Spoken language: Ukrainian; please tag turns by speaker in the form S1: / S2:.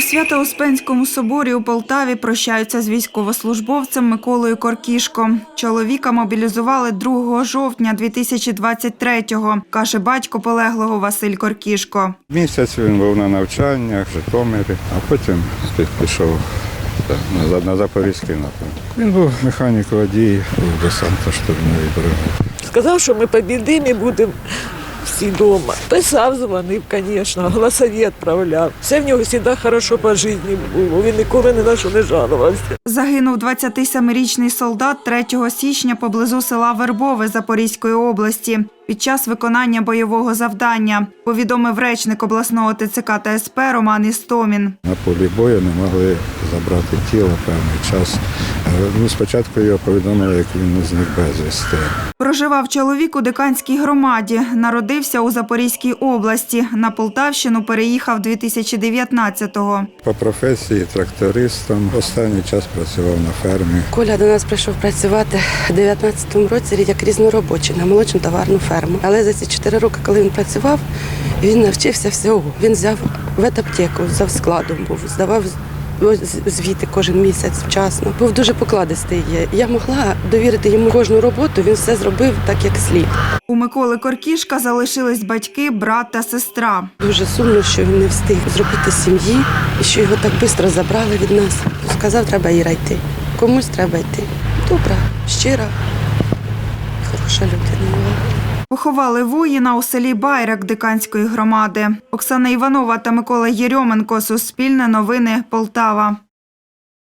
S1: Свято-Успенському соборі у Полтаві прощаються з військовослужбовцем Миколою Коркішко. Чоловіка мобілізували 2 жовтня 2023-го, каже батько полеглого Василь Коркішко.
S2: Місяць він був на навчаннях в Житомирі, а потім пішов на Запорізький напрямок. Він був механік-водій у десантно-штурмовій бригаді.
S3: Сказав, що ми побідимо і будемо всі вдома. Писав, дзвонив, звісно, голосові відправляв. Все в нього завжди добре по житті було, він ніколи ні на що не жалувався.
S1: Загинув 27-річний солдат 3 січня поблизу села Вербове Запорізької області під час виконання бойового завдання, повідомив речник обласного ТЦК та СП Роман Істомін.
S2: На полі бою не могли забрати тіло певний час. Спочатку його повідомили, як він зник безвісти.
S1: Проживав чоловік у Диканській громаді, народився у Запорізькій області, на Полтавщину переїхав 2019-го.
S2: По професії трактористом, останній час працював на фермі.
S4: Коля до нас прийшов працювати у 2019 році як різноробочий на молочну товарну ферму. Але за ці 4 роки, коли він працював, він навчився всього. Він взяв ветаптеку, взяв складом був, здавав звіти кожен місяць вчасно. Був дуже покладистий. Я могла довірити йому кожну роботу, він все зробив так, як слід.
S1: У Миколи Коркішка залишились батьки, брат та сестра.
S4: Дуже сумно, що він не встиг зробити сім'ї і що його так швидко забрали від нас. Сказав, треба Іра йти. Комусь треба йти. Добра, щира, хороша людина.
S1: Поховали воїна у селі Байрак Диканської громади. Оксана Іванова та Микола Єрьоменко. Суспільне новини. Полтава.